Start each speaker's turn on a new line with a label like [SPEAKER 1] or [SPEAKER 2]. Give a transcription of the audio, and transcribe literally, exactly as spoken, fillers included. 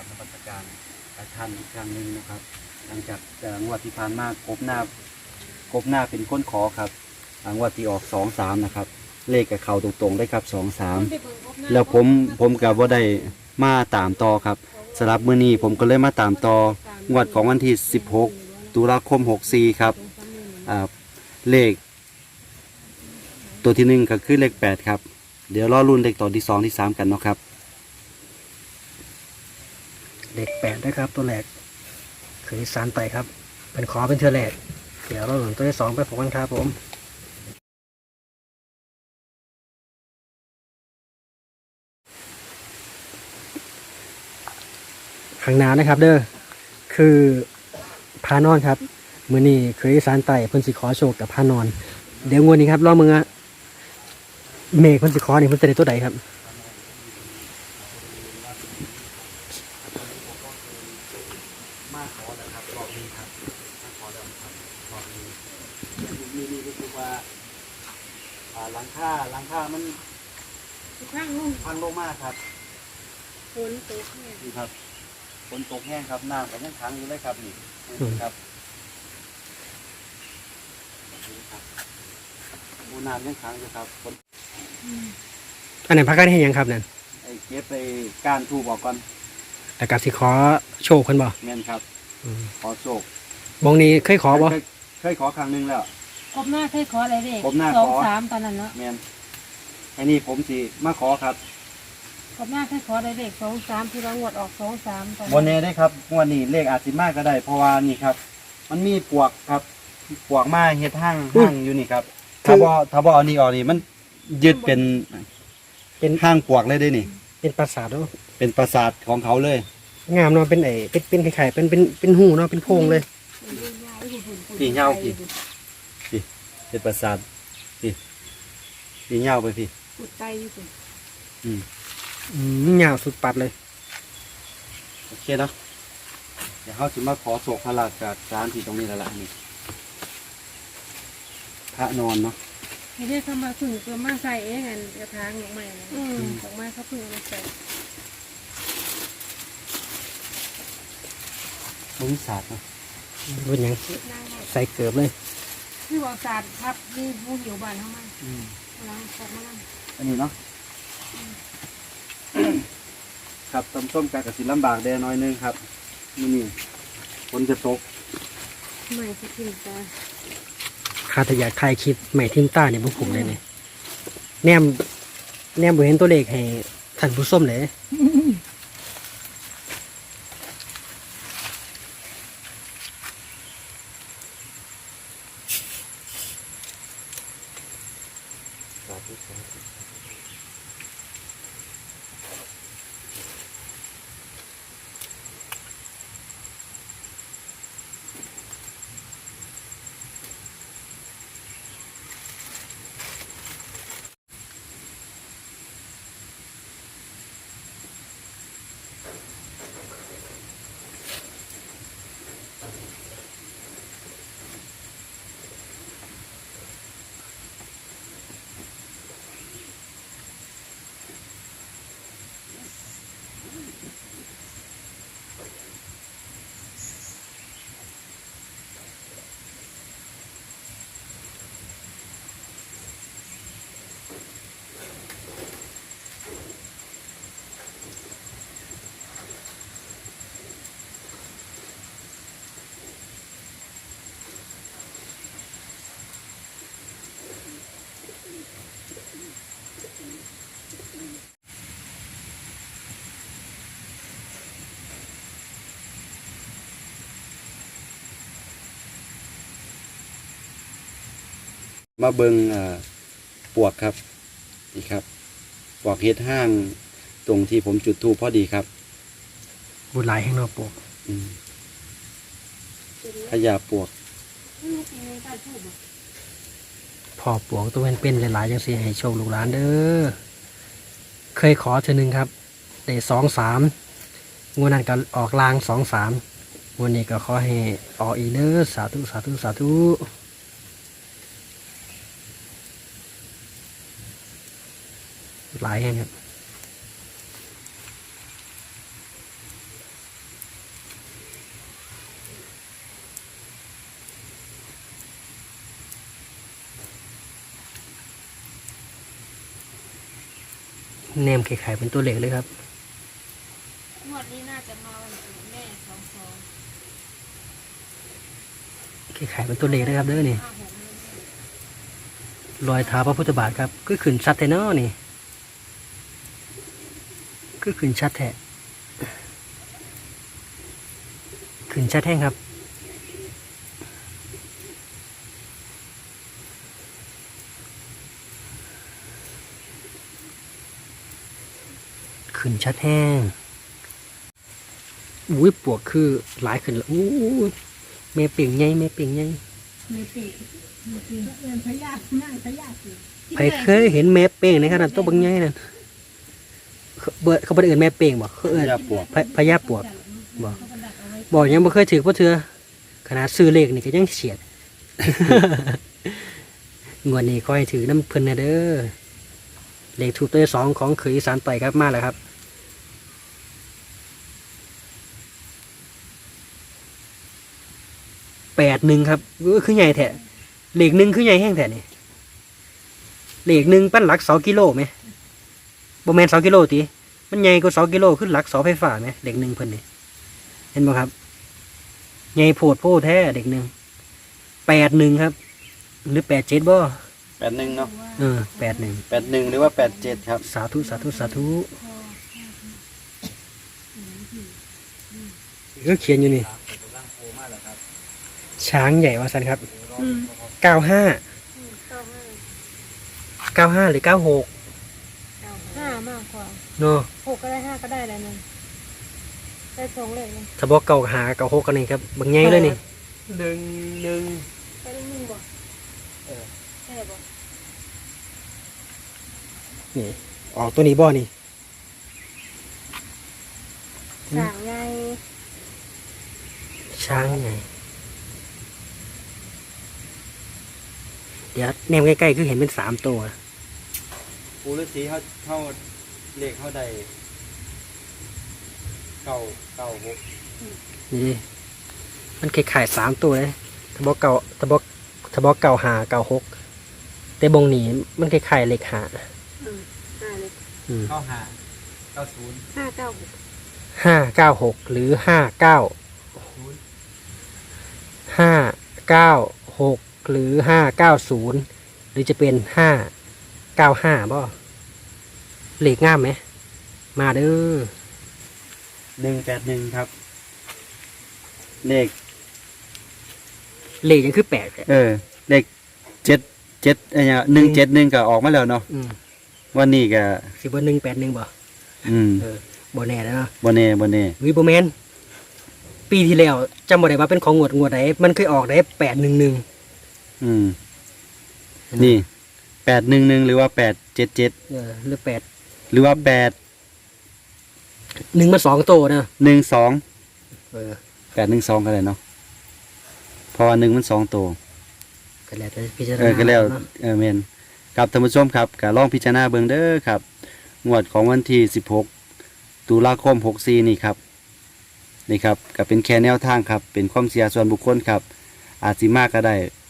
[SPEAKER 1] นมัสการท่านอีกครั้งหนึ่งนะครับหลังจากงวดที่ผ่านมากบหน้ากบหน้าเป็นก้นขอครับงวดที่ออกสองสามนะครับเลขกับเขาตรงๆได้ครับสองสามแล้วผมผมกับว่าได้มาตามต่อครับสำหรับมื้อนี้ผมก็เลยมาตามต่องวดของวันที่สิบหกตุลาคมหกสี่ครับเลขตัวที่หนึ่งก็คือเลขแปดครับเดี๋ยวรอรุ่นเลขตัวที่สองที่สามกันเนาะครับ
[SPEAKER 2] เลขแปดนะครับตัวแรกคือสารไตครับเป็นขอเป็นเทือแรกเดี๋ยวเราหนุนตัวที่สองไปพบกันครับผมข้างหน้านะครับเด้อคือพานอนครับมือนี้คือสารไตเพิ่นสิขอโชคกับพานอนเดี๋ยวงวดนี้ครับรอบมึงอะเมฆเพิ่นสิขอนี่เพิ่นจะได้ตัวใดครับ
[SPEAKER 1] มาขอแล้วครับรอบนี้ครับมาขอแล้วครับรอบนี้มีนี่ก็คือว่าหลังคาหลังคามันพังลงพังลงมากครับฝนตกแห้งนี่ครับฝนตกแห้งครับน้ำก็ยังขังอยู่เลยครับนี่ครับบูน้ำยังขังอยู่ครับฝน
[SPEAKER 2] อันไหนพักกันให้ยังครับนั่น
[SPEAKER 1] ไอ้เก็บไปก้านทูบออกก่อน
[SPEAKER 2] แต่กับสิขอโชคคนบ่
[SPEAKER 1] แม่นครับขอโชค
[SPEAKER 2] บองนี้เคยขอบ่
[SPEAKER 1] เคยขอครั้งหนึ่งแล้ว
[SPEAKER 3] กบหน้าเคยขออะไรเด็ก
[SPEAKER 1] กบหน้า
[SPEAKER 3] สอ
[SPEAKER 1] ง
[SPEAKER 3] สามตอนนั้นเนาะ
[SPEAKER 1] แม่นไอ้นี่ผมสิมาขอครับ
[SPEAKER 3] กบหน้าเคยขออะไรเด็กสองสามที่เรางวดออกสองสามตอน
[SPEAKER 1] วันนี้ได้ครับวันนี้เลขอาจสิมากก็ได้เพราะว่านี่ครับมันมีปวกครับปวกมาเฮ็ดห้างห้างอยู่นี่ครับถ้าบ่ถ้าบ่เอานี่ออกนี่มันยึดเป็นเป็นห้างปวกเลยได้นี่
[SPEAKER 2] เป็นปราสาทเนาะ
[SPEAKER 1] เป็นปราสาทของเขาเลย
[SPEAKER 2] งามเนาะเป็นไอ้เป็นเป็นไข่ๆเป็นเป็นเป็นหูเนาะเป็นโพรงเลย
[SPEAKER 1] พี่เงาพี่พี่เป็นปราสาทพี่พี่เงาไปพี่
[SPEAKER 3] ปุดไตอยู่สิ
[SPEAKER 1] อืม
[SPEAKER 2] อืมยาวสุดปัดเลย
[SPEAKER 1] โอเคเนาะเดี๋ยวเขาจะมาขอโศกพระราชจากร้านที่ตรงนี้แล้วล่ะนี่พระนอนเนาะ
[SPEAKER 3] ให้เรียกเขามาพึ่งก็มาใส่เองอันกระถางของใหม่นะของมาเขาพึ่งมาใส่
[SPEAKER 1] บริษัทเนาะ
[SPEAKER 2] เป็นยังใส่เกือบเลย
[SPEAKER 3] ที่บอกศาสตร์ครับนี่มูหิวบานเข้ามาล้างขอกมาล้าง
[SPEAKER 1] อันนี้เนาะครับต้มส้มกากระสิลำบากแดน้อยนึงครับนี่นี่ฝนจะตก
[SPEAKER 3] ใหม่ที่ถึงตา
[SPEAKER 2] คาถอยากถ่ายคลิปใหม่ทิมต้าเนี่ยพวกผมเลยเนี่ยแนมแนมบ่เห็นตัวเลขให้ท่านผู้ส้มเลย
[SPEAKER 1] มาเบิงปวกครับนี่ครับปวกเฮ็ดห้างตรงที่ผมจุดธูปพอดีครับ
[SPEAKER 2] บุญหลายแห่งนอกปวก
[SPEAKER 1] ขยะปวก
[SPEAKER 2] พอปวกตัวเป็นเป็นหลายๆจังสิให้โชคลูกหลานเด้อเคยขอเธอหนึ่งครับได้สองสามงวดนั้นก็ออกลางสองสามงวดนี้ก็ขอให้ออกอีเด้อสาธุสาธุสาธุหลายแห่งครับแนมไข่ๆเป็นตัวเลขเลยครับ
[SPEAKER 3] งวดนี้น่าจะมาวันเกิดแม่สองสอง
[SPEAKER 2] ไข่ๆเป็นตัวเลขนะครับเด้อนี่
[SPEAKER 3] ห้าหกเดือน
[SPEAKER 2] รอยเท้าพระพุทธบาทครับก็ขึ้นชัดแท้เนาะนี่ก็ขึ้นชัดแท้ขึ้นชัดแท้ครับขึ้นชัดแห้งอุ้ยปวกคือหลายขึ้นแล้วอู้แม่เป่งไงแม่เป่งไง
[SPEAKER 3] มีปีกมีปีกเอินพยาธินั่งพยาธิ
[SPEAKER 2] ใครเคยเห็นแม่เป่งในขนาดตัวบางไงนั่นเขาเบิดเขาบ่ได้เอิ้นแม่เป่งบ่เขาเอิ้น
[SPEAKER 1] ยาปวก
[SPEAKER 2] พะพญาปวกบ่บ่ยังบ่เคยถือบ่เทื่อขนาดซื้อเลขนี่ก็ยังเฉียด งวดนี้ขอให้ถือน้ำเพิ่นนะเด้อเลขถูกตัวที่สองของเขยอีสานต่อยครับมาแล้วครับแปดหนึ่งครับเออคือใหญ่แท้เลขหนึ่งคือใหญ่แห้งแท้นี่เลขหนึ่งปั้นหลักเสากิโลไหมบ่แม่นเสากิโลติมันใหญ่กว่าเสากิโลขึ้นหลักเสาไฟฟ้าไหมเลขหนึ่งเพิ่นนี่เห็นบ่ครับใหญ่โพดโพแท้เด็กหนึ่งแปดหนึ่งครับ หรือแปดเจ็ดบ่
[SPEAKER 1] แปดหนึ่งเนาะ
[SPEAKER 2] เออแปดหนึ่ง
[SPEAKER 1] แปดหนึ่งหรือว่าแปดเจ็ดครับ
[SPEAKER 2] สาธุสาธุสาธุก็เขียนอยู่นี่ช้างใหญ่ว่าสันครับ
[SPEAKER 3] อืม
[SPEAKER 2] เก้าห้า
[SPEAKER 3] เก้าห้า
[SPEAKER 2] เก้าห้าหรือเก้าหก
[SPEAKER 3] ห้ามากกว่า
[SPEAKER 2] เนาะ
[SPEAKER 3] หกก็ได้ห้าก็ได้แล้วนึงได้สองเลยนึง
[SPEAKER 2] ถ้าบอกเก่าหาเก่าหกกันนี่ครับบางใหญ่เลยนี่
[SPEAKER 1] หนึ่งหนึ่ง
[SPEAKER 3] ได้หนึ่งบ่ใช่บ่
[SPEAKER 2] นี่ออกตัวนี้บ่นี่
[SPEAKER 3] สางไง
[SPEAKER 2] ช้างใหญ่เดี๋ยวแนมใกล้ๆคือเห็นเป็นสามตัว
[SPEAKER 1] ปูฤาษีเขาเขาเลขเขาได้เก้าเก้าหก
[SPEAKER 2] นี่ดิมันคล้ายๆสามตัวเลยถ้าบอกเก่าถ้าบอกถ้าบอกเก่าหาเก่าหกแต่บงนี้มันคล้ายๆเลขหา
[SPEAKER 3] อืมห้าเลย
[SPEAKER 2] อืม
[SPEAKER 1] เก้าห้าเก้าศูนย์
[SPEAKER 3] ห้าเก้าหก
[SPEAKER 2] ห้าเก้าหกหรือห้าเก้าห้าเก้าหกหรือห้าเก้าศูนย์หรือจะเป็นห้าเก้าห้าบ่เลขง่ามไหมมาเด้อ
[SPEAKER 1] หนึ่งแปดหนึ่งครับ เลข
[SPEAKER 2] เลขยังคือแปดแหละ
[SPEAKER 1] เออ เลขเจ็ดเจ็ดอะไรเนี่ยหนึ่งเจ็ดหนึ่งก็ออกมาแล้วเนาะ
[SPEAKER 2] อืม
[SPEAKER 1] วันนี้ก็
[SPEAKER 2] สิบวันหนึ่งแปดหนึ่งบ่
[SPEAKER 1] อืม
[SPEAKER 2] เออบ่แน่แล้วเนาะ
[SPEAKER 1] บนเน่บนเน่
[SPEAKER 2] วิบแมนปีที่แล้วจำบ่ได้ว่าเป็นของงวดงวดไหนมันเคยออกได้แปดหนึ่งหนึ่ง
[SPEAKER 1] อืม นี่แปดหนึ่งหนึ่งหรือว่าแปดเจ็ดเจ็ด
[SPEAKER 2] เออหรือแปด
[SPEAKER 1] หรือว่าแปด
[SPEAKER 2] หนึ่งมาสองโตนะ
[SPEAKER 1] หนึ่งสอง
[SPEAKER 2] เออ
[SPEAKER 1] แปดหนึ่งสองก็ได้เนาะเพราะว่าหนึ่งมันสองตัว
[SPEAKER 2] ก็แล้วแต่พิจารณา
[SPEAKER 1] เออก็แล้ว
[SPEAKER 2] เนาะ
[SPEAKER 1] เออเมนครับท่านผู้ชมครับก็ลองพิจารณาเบิ่งเด้อครับ งวดของวันที่สิบหกตุลาคมหกสี่นี่ครับ นี่ครับก็เป็นแค่แนวทางครับ เป็นความเสียส่วนบุคคลครับ อาจสิมากก็ได้